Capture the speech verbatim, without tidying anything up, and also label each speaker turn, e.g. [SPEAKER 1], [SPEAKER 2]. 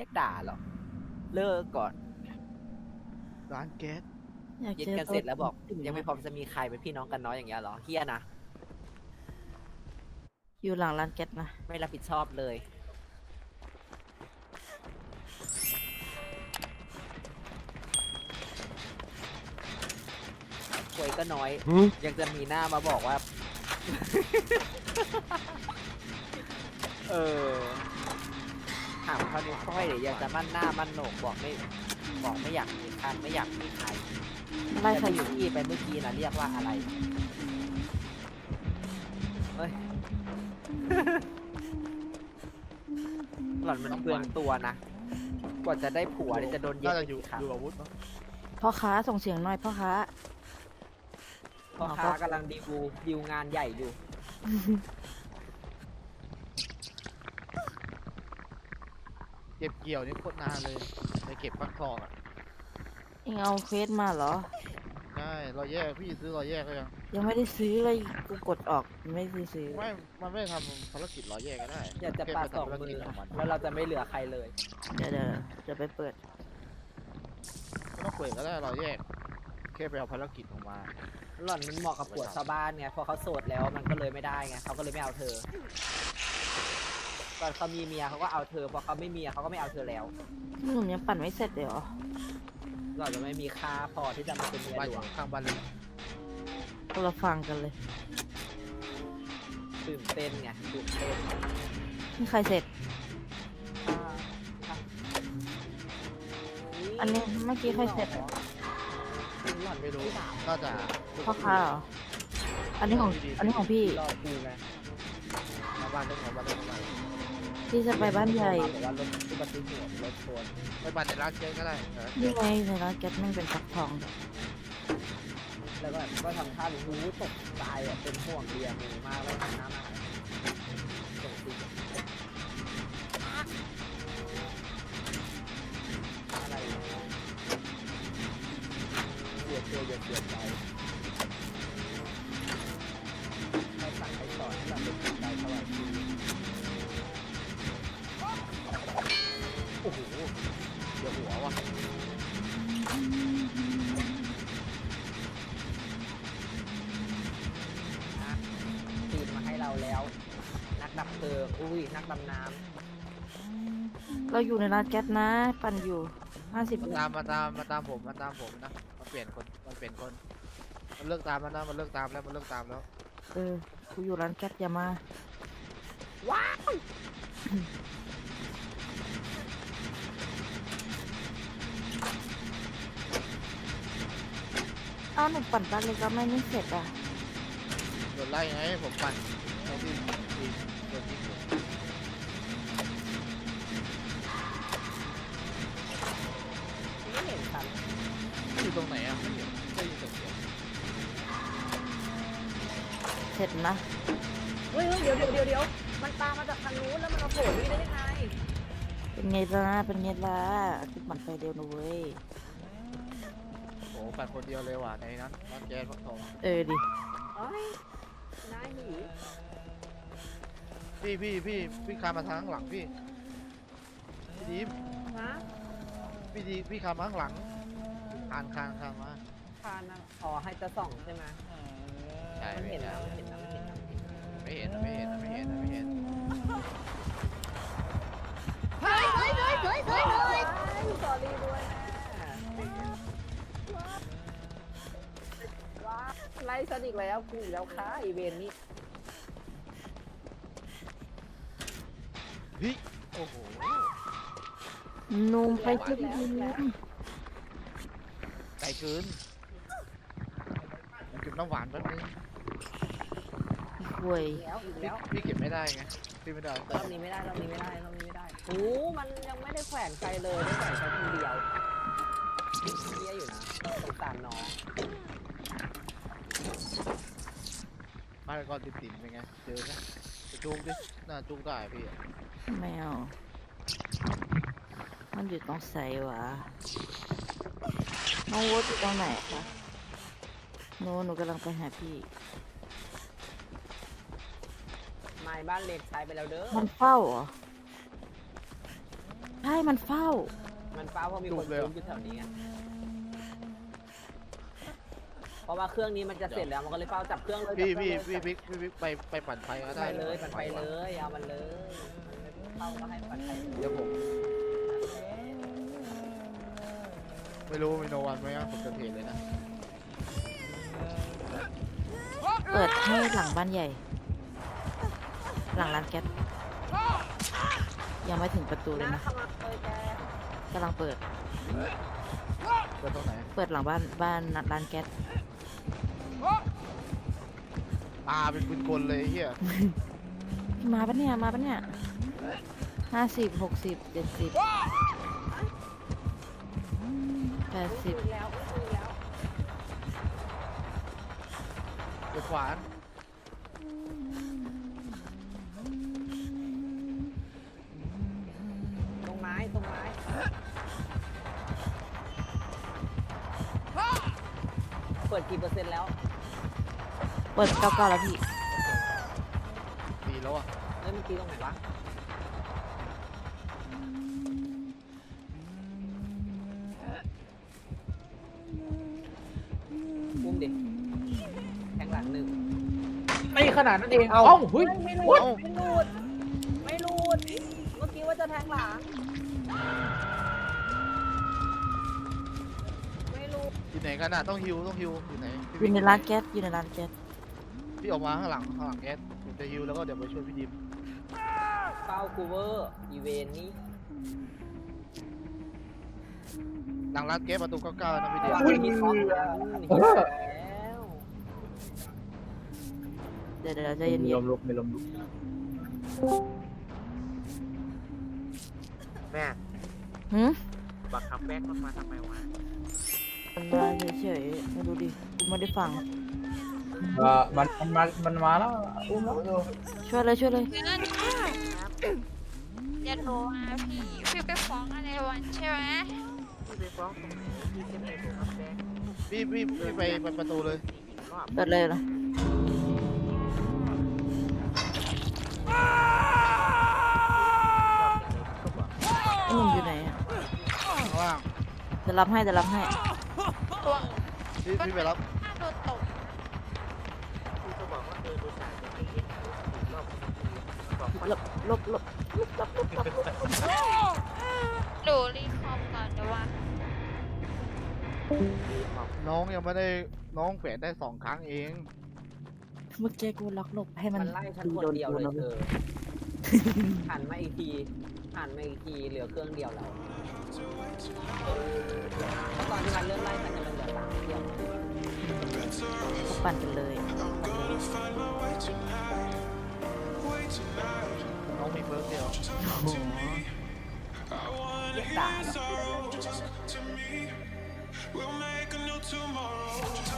[SPEAKER 1] รียกด่าหรอกเลิกก่อน
[SPEAKER 2] ร้านแก๊ส
[SPEAKER 3] อยาก
[SPEAKER 1] เย็น
[SPEAKER 3] เจอ
[SPEAKER 1] กัน
[SPEAKER 3] ตัว
[SPEAKER 1] เสร็จแล้วบอก
[SPEAKER 3] จริงๆ
[SPEAKER 1] ยังไม่พร้อมจะมีใครเป็นพี่น้องกันน้อยอย่างเงี้ยเหรอเฮียนะ
[SPEAKER 3] อยู่หลังร้านแก๊สนะ
[SPEAKER 1] ไม่รับผิดชอบเลยควยก็น้อย ยังจะมีหน้ามาบอกว่า เออถามเขานิ้วก้อยเดี๋ยวยังจะมั่นหน้ามั่นโหนกบอกไม่บอกไม่อยากมีใครไม่อยากมีใคร
[SPEAKER 3] ไล่
[SPEAKER 1] แต่
[SPEAKER 3] ใคร
[SPEAKER 1] ที่อยู่ที่ไปเมื่อกี้นะเรียกว่าอะไรเฮ้ย หล่อนมันเปลืองตัวนะกว่าจะได้ผัวเนี่ยจะโดนเย็
[SPEAKER 2] น่า
[SPEAKER 1] ด
[SPEAKER 2] จะอยู่
[SPEAKER 1] ครับ
[SPEAKER 2] อยู่อาวุธเนาะ
[SPEAKER 3] พ่อค้าส่งเสียงหน่อยพ่อค้า
[SPEAKER 1] พ่อค้ากำลังดีลดีลงานใหญ่อยู่
[SPEAKER 2] เก็บเกี่ยวนี่โคตรนานเลยไปเก็บฟักทองอ่ะ
[SPEAKER 3] เองเอาเควสมาเหรอ
[SPEAKER 2] ใช่รอยแยกพี่ซื้อรอยแยกก็ยัง
[SPEAKER 3] ยังไม่ได้ซื้อเลยกูกดออกไม่ได้ซื้อ
[SPEAKER 2] ไม่มันไม่ได้ทำภารกิจรอยแยกก็ได้
[SPEAKER 1] อยากจะ
[SPEAKER 2] แค่
[SPEAKER 1] ปา
[SPEAKER 2] ไป
[SPEAKER 1] สอง
[SPEAKER 2] ทำภาร
[SPEAKER 1] มื
[SPEAKER 2] กิจ
[SPEAKER 1] อ
[SPEAKER 2] ของมัน
[SPEAKER 1] แล้วเราจะไม่เหลือใครเลย
[SPEAKER 3] เดี๋ยวเดี๋ยวเดี๋ยวไปเปิด
[SPEAKER 2] ไม่ต้องเปิดก็ได้รอยแยกแค่ไปเอาภารกิจออกมา
[SPEAKER 1] หล่อนมันเหมาะกับผัวชาวบ้านไงพอเขาโสดแล้วมันก็เลยไม่ได้ไงเขาก็เลยไม่เอาเธอตอนเขามีเมียเขาก็เอาเธอพอเขาไม่มีเขาก็ไม่เอาเธอแล้ว
[SPEAKER 3] หนุ่มยังปั่นไม่เสร็จเลยเหรอ
[SPEAKER 1] หล่อนจะไม่มีค่าพอที่จะมาเป็นเมีย
[SPEAKER 2] บ้าน
[SPEAKER 1] หล
[SPEAKER 2] อ
[SPEAKER 1] วง
[SPEAKER 2] ยู่ข้างบ้านเลย
[SPEAKER 3] คนละฟังกันเลย
[SPEAKER 1] ตื่นเต้นไงตื่นเต้น
[SPEAKER 3] นี่ใครเสร็จ
[SPEAKER 1] อ่าอ่ะ
[SPEAKER 3] อันนี้เมื่อกี้ใครเสร็จ
[SPEAKER 1] หล่อน
[SPEAKER 2] ไม่รู้
[SPEAKER 1] พี่สาว
[SPEAKER 2] น่าจะ
[SPEAKER 3] พ่อค้าเหรอ อันนี้ของ อันนี้ของพี่
[SPEAKER 1] รอกูไง
[SPEAKER 2] มาบ้านได้ของบ้านได้ของบ้าน
[SPEAKER 3] พี่จะไปบ้านใหญ่
[SPEAKER 1] บอกว่ารถอุบัติเหตุรถชน
[SPEAKER 2] ไปบ้านในร้านแก๊สก็ได้นะ
[SPEAKER 3] นี่ไงในร้านแก๊สแม่งเป็นฟักทอง
[SPEAKER 1] แล้วก็ก็ทำท่าหนูตกใจอ่ะเป็นห่วงเบียร์มูมากแล้วทำน้ำมาส่งสิอะไรเสียตัวอย่าเสียใจให้สั่งให้สอนให้เราเป็นคนใจเท่าไหร่
[SPEAKER 2] โอ้โหเดี๋ยวหัวว่ะ
[SPEAKER 1] ทีมมาให้เราแล้ว นักดับเพลิงอุ้ยนักดำน้
[SPEAKER 3] เราอยู่ในร้านแก๊สนะ ปั่นอยู่ห้าสิบ
[SPEAKER 2] มาตามมาตามมาตามผมมาตามผมนะมาเปลี่ยนคนมันเปลี่ยนคนมันเลิกตามแล้วนะมันเลิกตามแล้วมันเลิกตามแล้ว
[SPEAKER 3] เออกูอยู่ร้านแก๊สอย่ามา
[SPEAKER 1] ำว้าว
[SPEAKER 3] เอ้าหนูปั่นบ้านเล็กแล้วไม่นี่เสร็จอ่ะ
[SPEAKER 2] โดนไล่ไงผมปั่นไอ้ที่ที่โดนที่ผม
[SPEAKER 1] ไม่เห็นฉัน
[SPEAKER 2] อยู่ตรงไหนอ่ะไม่เห็นได้ยินเสียง
[SPEAKER 3] เสร็จนะ
[SPEAKER 1] เฮ้ยเดี๋ยวเดี๋ยวเดี๋ยวเดี๋ยวมันตามมาจากทางนู้นแล้วมันมาโผล่นี่ได้ยังไง
[SPEAKER 3] เป็นไงล่ะ เป็นไงล่ะกูปั่นไฟเดียวนะเว้ย
[SPEAKER 2] โอ้ปั่นคนเดียวเลยว่ะในนั้นร้านแก๊สฟักทอง
[SPEAKER 3] เออดิ
[SPEAKER 1] เอ้ยนายหนี
[SPEAKER 2] พี่พี่พี่พี่คานมาทางข้างหลังพี่พี่ดีม
[SPEAKER 1] ฮะ
[SPEAKER 2] พี่ดีพี่คานมาข้างหลังคานคานคานมา
[SPEAKER 1] พานะอ๋อให้จะส่องใช่ไหม
[SPEAKER 2] ใช่
[SPEAKER 1] มัน
[SPEAKER 2] ไม่
[SPEAKER 1] เห็
[SPEAKER 2] เห็
[SPEAKER 1] น
[SPEAKER 2] น
[SPEAKER 1] นะ
[SPEAKER 2] นะ
[SPEAKER 1] มันเห็นนะมันเห็นนะมันเห็นนะ
[SPEAKER 2] ไม่เห็นนะไม่เห็นนะไม่เห็นนะไม่เห็น
[SPEAKER 1] เฮ้ยเฮ้ยเฮ้ยเฮ้ยเฮ้ยเฮ้ยสอรี่ด้วยนะว้าไล่ฉันอีกแล้วกูอีกแล้วค่ะอีเวนต์นี้
[SPEAKER 2] เฮ้ยโอ้โห
[SPEAKER 3] นุ่มไปช่วยพี่นุ่ม
[SPEAKER 2] ไกลเกินเก็บน้ำหวานแป๊บนึง
[SPEAKER 3] ห่วย
[SPEAKER 1] อีกแล้วอีก
[SPEAKER 2] พี่
[SPEAKER 1] แล้ว
[SPEAKER 2] พี่เก็บไม่ได้ไงพี่ไม่ได้
[SPEAKER 1] รอบนี้ไม่ได้รอบนี้ไม่ได้รอบนี้ไม่ได้โอ้มันยังไม่ได้แขวนใครเลยได้แขวนแค่คนเดียวเฮียอยู่นะสงสารน้อง
[SPEAKER 2] มาก่อนติดติ่มเป็นไงเจอไหมจะจุกดิน่าจุกได้พี่
[SPEAKER 3] ไม่เอามันอยู่ตรงไสวะน้องวดอยู่ตรงไหนคะโน้หนูกำลังไปหาพี่
[SPEAKER 1] ไม้บ้านเล็กใช้ไปแล้วเด้อ
[SPEAKER 3] มันเฝ้าเหรอใช่มันเฝ้า
[SPEAKER 1] มันเฝ้าเพราะมีคนยืนอยู่แถวนี้ไงเพราะว่าเครื่องนี้มันจะเสร็จแล้วมันก็เลยเฝ้าจับเครื่องเลย
[SPEAKER 2] พี่
[SPEAKER 1] จับเค
[SPEAKER 2] พี่
[SPEAKER 1] รื่องเลย
[SPEAKER 2] พี่พี่พี่พี่ไปไปปั่นไฟก็
[SPEAKER 1] ไป
[SPEAKER 2] ได้
[SPEAKER 1] เลยมันไปเลยเอามันเลยเข้าก็ให้ปัดไปเลย
[SPEAKER 2] เดี๋ยวผมไม่รู้มีโนวันไหมครับผมจะเทรดเลยนะ
[SPEAKER 3] เปิดให้หลังบ้านใหญ่ หลังร้านแก๊สยังไม่ถึงประตูเลยนะ
[SPEAKER 1] เข้ามาเลยแก
[SPEAKER 3] กำลังเปิด
[SPEAKER 2] เปิดตรงไหน
[SPEAKER 3] เปิดหลังบ้านบ้านร้านแก๊ส
[SPEAKER 2] ตาเป็นปืนกลเลยไอ้เฮีย
[SPEAKER 3] มาปะเนี่ยมาปะเนี่ยห้าสิบหกสิบเจ็ดสิบแปดสิบ
[SPEAKER 1] อีกแล้วอีกแล้ว
[SPEAKER 2] เปิดขวาน
[SPEAKER 1] ตรงไม้ตรงไม้เปิดกี่เปอร์เซ็นต์แล้ว
[SPEAKER 3] เปิดเก้าเก้าแล้วพี่
[SPEAKER 2] ตีแล้วอ่ะ
[SPEAKER 1] เฮ้ยเมื่อกี้ตรงไหนวะอุ้มดิแทงหลังหนึ่ง
[SPEAKER 4] ไม่ขนาดนั้นเอง เอ้าเฮ้ย
[SPEAKER 1] ไม่รูดไม่รูดไม่รูดเมื่อกี้ว่าจะแทงหลังไม่รูด
[SPEAKER 2] อยู่ไหนกันอ่ะต้องฮิวต้องฮิวอยู่ไหนพี่
[SPEAKER 3] อยู่ในร้านแก๊สอยู่ในร้านแก๊ส
[SPEAKER 2] พี่ออกมาข้างหลังข้างหลังแอสผมจะฮิวแล้วก็เดี๋ยวไปช่วยพี่ดิม
[SPEAKER 1] เป้ากูเวอร์อีเวนนี้
[SPEAKER 2] หลังร้านแก๊สประตูเก้าเก้านะพี่ดิม
[SPEAKER 1] วางที่ท็อปแล้วแล้ว
[SPEAKER 3] เดี๋ยวเดี๋ยวใจเย็น
[SPEAKER 4] มีลมลุกมีลมลุก
[SPEAKER 5] แม่
[SPEAKER 3] ๆหืม
[SPEAKER 5] บักคับแบ็กมันมาทำไมวะ
[SPEAKER 3] มันมาเฉยๆไม่รู้ดิกูไม่ได้ฟัง
[SPEAKER 4] เออมันมันมามันมาแล้วอุ้มแล้ว
[SPEAKER 3] ช่วยเลยช่วยเลย
[SPEAKER 6] เงินอย่าโทรมาพี่ พี่ไปฟ้องอะไรวันใช่ไหม
[SPEAKER 5] พี่ไปฟ้องตรงไหนพี่จะไปบักคับแบ็ก
[SPEAKER 2] พี่พี่พี่ไปไปประตูเลย
[SPEAKER 5] อีกรอบ
[SPEAKER 3] เปิดเลยนะไอ้หนุ่มอยู่ไหนอะ
[SPEAKER 2] ข้างล่าง
[SPEAKER 3] จะรับให้จะรับให้
[SPEAKER 6] ตัว
[SPEAKER 2] พี่พี่ไปรับ
[SPEAKER 6] หน้าโดนตก
[SPEAKER 5] พี่ก็บอกว่าเออดูสายจะให้เย็นอีกรอบบอกว่า
[SPEAKER 3] ลบลบลบ
[SPEAKER 6] ดูรีคอมก่อนเดี๋ยวว่า
[SPEAKER 2] น้องยังไม่ได้น้องแขวนได้สองครั้งเอง
[SPEAKER 3] เมื่อกี้กูล็อกหลบให้มัน
[SPEAKER 1] มันไล่ฉันคนเดียวเลยเธอหันมาอีกทีหันมาอีกทีเหลือเครื่องเดียวแล้วแล้วตอนที่มันเริ่มไล่มันจะมันเหลือสามเครื่อง
[SPEAKER 3] กูปั่นกันเลย
[SPEAKER 2] น้องมีเบิร์กเดียว
[SPEAKER 1] เรียกด่า
[SPEAKER 7] We'll make a new tomorrow.